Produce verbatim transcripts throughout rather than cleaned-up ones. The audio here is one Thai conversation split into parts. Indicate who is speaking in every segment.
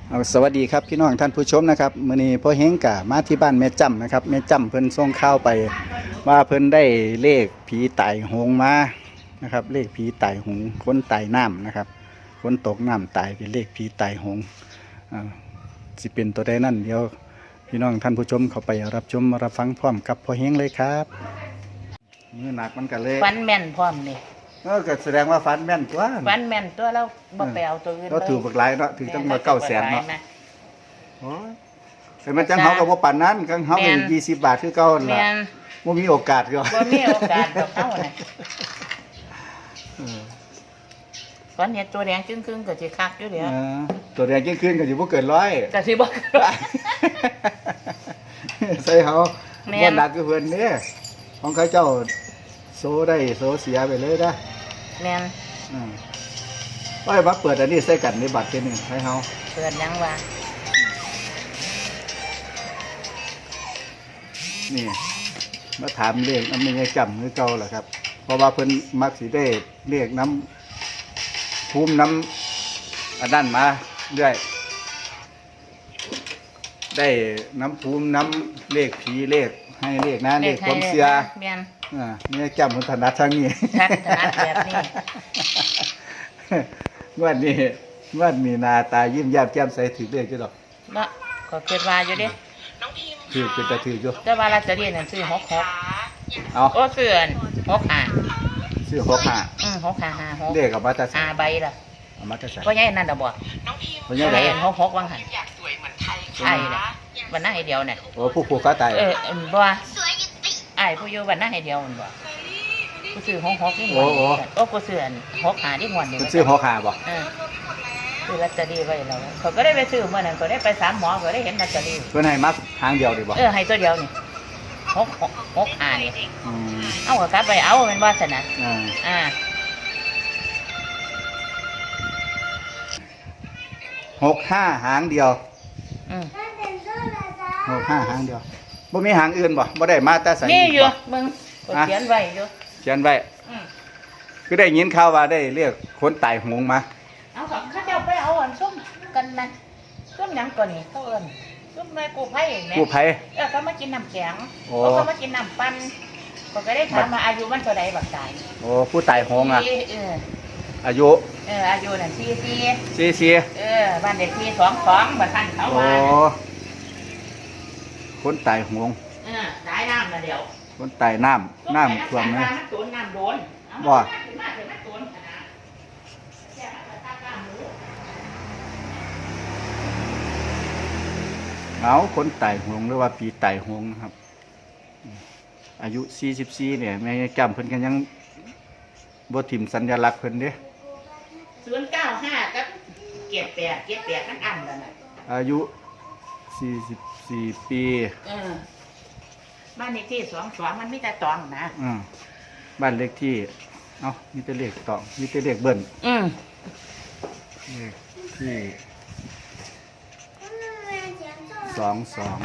Speaker 1: เอาสวัสดีครับพี่น้องท่านผู้ชมนะครับมื้อนี้พ่อเฮงกะมาที่บ้านแม่จ้ำนะครับแม่จ้ำเพิ่นส่งข่าวไปว่าเพิ่นได้เลขผีตายโหงมานะครับเลขผีตายโหงคนตายน้ำนะครับคนตกน้ำตายเป็นเลขผีตายโหงอ่าสิเป็นตัวใดนั่นเดี๋ยวพี่น้องท่านผู้ชมเข้าไปรับชมรับฟังพร้อมกับพ่อเฮงเลยครับมือหนักมันกันเลย
Speaker 2: ฟันแม่นพร้อมนี่
Speaker 1: เออก็แสดงว่าฟันแม่นตัว
Speaker 2: ฟันแม่นตัวเราบ่ไปเอาตัวอื่น
Speaker 1: เราถือบักหลายเนาะถือตั้งมาเก้าแสนเนาะ
Speaker 2: แม่
Speaker 1: โอ้ยแต่มันจังเฮากับว่าปานนั้นกังเฮาเป็นยี่สิบบาทคือเก่านั่น
Speaker 2: แม่
Speaker 1: ล่ะ
Speaker 2: น
Speaker 1: บ่มีโอกาสก็
Speaker 2: บ่มีโอกาสกับเขาน่ะ
Speaker 1: เออ
Speaker 2: ฟันเห็ดตัวแดงจึ้งๆก็สิคักอยู่เดี๋ยว
Speaker 1: เออตัวแดงยิ่งขึ้นก็สิบ่เกินร้อย
Speaker 2: ก็สิบ่
Speaker 1: ใส่เฮา
Speaker 2: แม่น
Speaker 1: บ่หนักคือเพิ่นเด้ของเขาเจ้าโซได้โซเสียไปเลยนะ
Speaker 2: แม่น
Speaker 1: อืมว่าให้มาเปิดอันนี้ใส่กันในบัตรทีนึงให้เฮา
Speaker 2: เปิดหยังว่า
Speaker 1: นี่มาถามเลขน้ำมันยังจำคือเก่าแหละครับ เพราะว่าเพิ่นมักสิได้เลขน้ำภูมิน้ำอันนั้นมาเรื่อยได้น้ำภูมิน้ำเลขผีเลขให้เลขนะเลขความเสีย
Speaker 2: แม่น
Speaker 1: อ่านี่จำมันถนัดทางนี้
Speaker 2: ทัดถนัดแบบนี้
Speaker 1: งวันนี้งวันมีหนาตายิ้มแย้มแจ่มใสถือเลขจ้ะดอก
Speaker 2: เนาะก็คิดว่าอยู่เด้
Speaker 1: ถือเป็นตาถืออยู่
Speaker 2: แต่ว่าลอตเตอรี่นั่นซื้อหกหก
Speaker 1: เอา
Speaker 2: โอ้ซื้ออันหกห้า
Speaker 1: ซื้อหกห้า
Speaker 2: อืมหกห้าห้าหก
Speaker 1: เลขกับมาตาใส่
Speaker 2: ห้าใบล่ะ
Speaker 1: เอามาตาใส่
Speaker 2: บ่ใหญ่นั่นดอกบ่
Speaker 1: เพราะ
Speaker 2: ให
Speaker 1: ยังไง
Speaker 2: ญ่หกหกวังหั่นใช่น่ะวันหน้าให้เดียวน่ะ
Speaker 1: โอ้ผู้ผูกขาตาย
Speaker 2: เออเอิ่มบ่ว่าอ้ายผู้อยู่บ้านหน้าให้เดียวมันบ่กูซื้อหกหกนี่หม
Speaker 1: โอ้
Speaker 2: ด
Speaker 1: โห
Speaker 2: โอ้กูซื้ออันหกหาที่หมดนี่
Speaker 1: มันซื้อหกห้าบ่
Speaker 2: เออซื้อลอตเตอรี่ไว้แล้วเขาก็ได้ไปซื้อเมื่อนั้นก็ได้ไปสามหมอก็ได้เห็นลอตเตอรี่
Speaker 1: เพื่อนให้มักทางเดียวดีบ่
Speaker 2: เออให้ตัวเดียวนี่หกหกหกหานี่
Speaker 1: อืม
Speaker 2: เอาก็กลับไปเอาแมันว่าซั่นน่ะ
Speaker 1: อ่า
Speaker 2: อ่า
Speaker 1: หกห้าหางเดียว
Speaker 2: อืม
Speaker 1: หกห้าหางเดียวบ่มีหางอื่นบ่บ่ได้มาแต่ใส่
Speaker 2: มีอยู่
Speaker 1: บ่
Speaker 2: มึงก็เขียนไว้อยู่
Speaker 1: เขียนไว้
Speaker 2: อืม
Speaker 1: คือได้ยินข่าวว่าได้เรียกคนตายโหงมา
Speaker 2: เอาของเขาเจ้าไปเอาอันส้มกันนั่นส้มหยังก่อนนี่เขาเอิ้นส้มแม่กู้ภัยแหม่
Speaker 1: กู้ภัย
Speaker 2: เออเขามากินน้ำแข็ง
Speaker 1: โอ้
Speaker 2: เขามากินน้ำปั่นเขาก็ได้ถามมาอายุมันเท่าใดบักตาย
Speaker 1: โอ้ผู้ตายโหงอ่ะ
Speaker 2: สี่เออ
Speaker 1: อายุ
Speaker 2: เอออายุนั่นสี่สี่
Speaker 1: สี่สี่
Speaker 2: เออบ้านเด็กที่สองสองบ้านท่านเขา
Speaker 1: โอ้
Speaker 2: ว่า
Speaker 1: คนตายโหง
Speaker 2: เออตายน้ำละเดียว
Speaker 1: คนตายน้ำน้ำท่วม
Speaker 2: เล
Speaker 1: เลย ย
Speaker 2: น้ำโดนน้ำโดน
Speaker 1: บ่
Speaker 2: ถึงมาถึงมาโดนขนาดแค่มาแต่ตากล้ามหมู
Speaker 1: เอาคนตายโหงหรือว่าปีตายโหงนะครับ อายุสี่สิบสี่เนี่ยแม่จำเพิ่นกันยังบ่ถิ่มสัญลักษณ์เพิ่นเด้
Speaker 2: ศูนย์เก้าห้ากับเกียรติแปดเกียรติแปดทั้งอันแล้วน่ะ
Speaker 1: อายุสี่สิบสี่ปี
Speaker 2: เออบ้านเลขที่สองสองมันมีแต่ตองนะ
Speaker 1: อืมบ้านเลขที่ เอ้ามีแต่เลขตองมีแต่เลขเบิ้ล
Speaker 2: อืม
Speaker 1: เลขที่สองสอง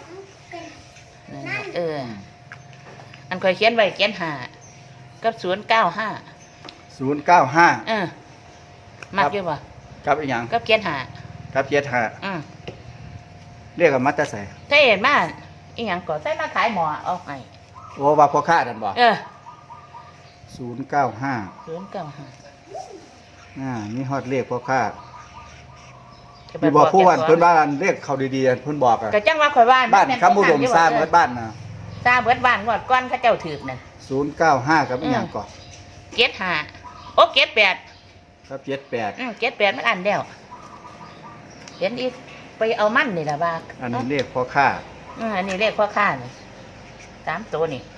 Speaker 2: เออ อันเคยเขียนไว้เขียนหากับศูนย์เก้าห้า
Speaker 1: ศูนย์เก้าห้า
Speaker 2: เออมักอยู่บ่
Speaker 1: กับอีกอย่าง
Speaker 2: กับเขียนหา
Speaker 1: กับเจ็ดห้า
Speaker 2: อืม
Speaker 1: เรียกกับมัตตาใส่
Speaker 2: ถ้าเห็นมาอีหยังก็ใส่มาขายหมอเอาให้
Speaker 1: โอ้ว่าพ่อค้านั่นบ่
Speaker 2: เออ
Speaker 1: ศูนย์เก้าห้า
Speaker 2: ศูนย์เก้าห้า
Speaker 1: อ่ามีฮอดเลขพ่อค้าที่บอกผู้วันเพิ่นบ้านเลขเขาดีๆเพิ่นบอกอะ
Speaker 2: ก็จังว่าข่อยบ้าน
Speaker 1: บ้านคำอุดมสร้างเบิดบ้านนะ
Speaker 2: สร้างเบิดบ้านงวดก้อนเขาเจ้าถือนั่น
Speaker 1: ศูนย์เก้าห้ากับอีกอย่างก่อน
Speaker 2: เกียรติหาโอ้เกียรติแปด
Speaker 1: กับเจ็ดแปด
Speaker 2: อืมเกียรติแปดมันอันเดียวเห็นอีกไปเอามันนี่ล่ะว่า
Speaker 1: อันนี้เลขพ่อค้า
Speaker 2: อืมอันนี้เลขพ่อค้านี่สามตัวนี่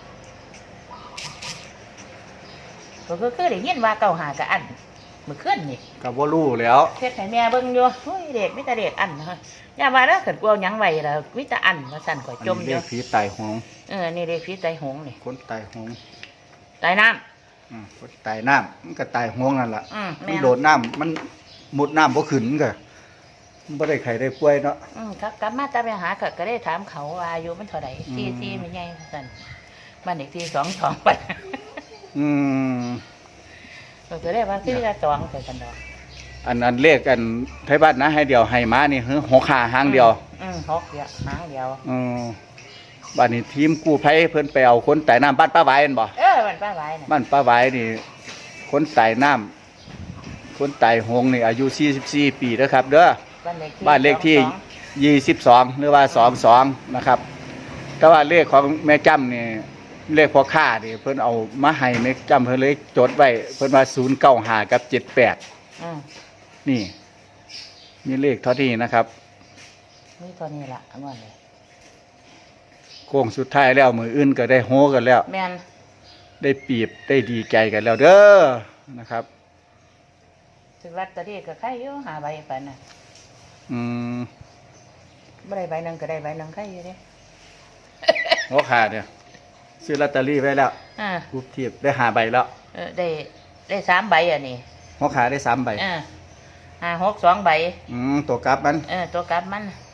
Speaker 2: ก็คือคือได้ยินว่าเก้าหากับอันเมื่อคืนนี่
Speaker 1: กับว่ารู้แล้ว
Speaker 2: เพชรให้แม่เบิ่งอยู่เฮ้ยเด็กมิแต่เด็กอันนะฮะอย่าว่าแล้วเกิดกลัวหยังไว้แล้วมิแต่อันว่าสั่นข่อย
Speaker 1: อัน
Speaker 2: จม
Speaker 1: นี้
Speaker 2: อ
Speaker 1: เล
Speaker 2: ยู่
Speaker 1: ขผีตายโหง
Speaker 2: เออนี่เลขผีไตหงนี่
Speaker 1: คนตายโหง
Speaker 2: ไตน้
Speaker 1: อืมคนตายน้ำมันก็ตายโหงนั่นแหละ
Speaker 2: ำอืม
Speaker 1: มั
Speaker 2: แม่
Speaker 1: น
Speaker 2: น
Speaker 1: โดดน้ำมันมุดน้ำบ่ขึ้นก็มันบ่ได้ไข้ได้ป่วยเนาะ
Speaker 2: อืมครับกลับมาตาไปหาก็ก็ได้ถามเขาว่าอายุมันเท่าไหร่
Speaker 1: อืม
Speaker 2: ที่ที่ไม่ใหญ่สั่นบ้านเด็กที่สองสองไป
Speaker 1: อืม
Speaker 2: ก็จะได้ว่าที่ละสองแต่กันดอก
Speaker 1: อันนั้นเลขอันไทยบ้านนะให้เดียวให้มานี่คือหกขาหางเดียว
Speaker 2: อืมหกเดียวหางเดียว
Speaker 1: อือบ้านนี้ทีมกู้ภัยเพิ่นไปเอาคนไต่น้ำบ้านป้าไว้นั่นบ่
Speaker 2: เออมันป้าไว้น่ะ
Speaker 1: บ้านป้าไว้นี่คนไต่น้ำคนไต่หงนี่อายุสี่สิบสี่ปีนะครับเด้อ
Speaker 2: บ้านเลขที่
Speaker 1: บ้านเลขที่
Speaker 2: สองสอง
Speaker 1: ยี่สิบสองหรือว่าสองสองนะครับแต่ว่าเลขของแม่จ้ำนี่เลขพ่อค้านี่เพิ่นเอามาให้แม่จ้ำเพิ่นเลยจดไว้เพิ่นว่าศูนย์เก้าห้ากับเจ็ดแปด
Speaker 2: อืม
Speaker 1: นี่มีเลขเท่านี้นะครับ
Speaker 2: นี่ตัวนี้ล่ะอันนั้นเลย
Speaker 1: โค้งสุดท้ายแล้วมืออื่นก็ได้โฮกันแล้ว
Speaker 2: แม่น
Speaker 1: ได้ปีบได้ดีใจกันแล้วเด้อนะครับ
Speaker 2: ถึงลอตเตอรี่ก็ใครอยู่หาใบไปน่ะ
Speaker 1: อืม
Speaker 2: บ่ได้ใบหนึงก็ได้ใบหนึงใครอยู่เด้
Speaker 1: พ่อค้าเนี่ยซื้อลอตเตอรี่ไว้แล้ว
Speaker 2: อ่า
Speaker 1: รูปเทียบได้หาใบแล้ว
Speaker 2: เออได้ได้สามใบอ่ะนี่
Speaker 1: พ่อค้าได้สามใบ
Speaker 2: อ่าห้าหกสองใบ
Speaker 1: อืมตัวกลับมัน
Speaker 2: เออตัวกลับมัน
Speaker 1: อ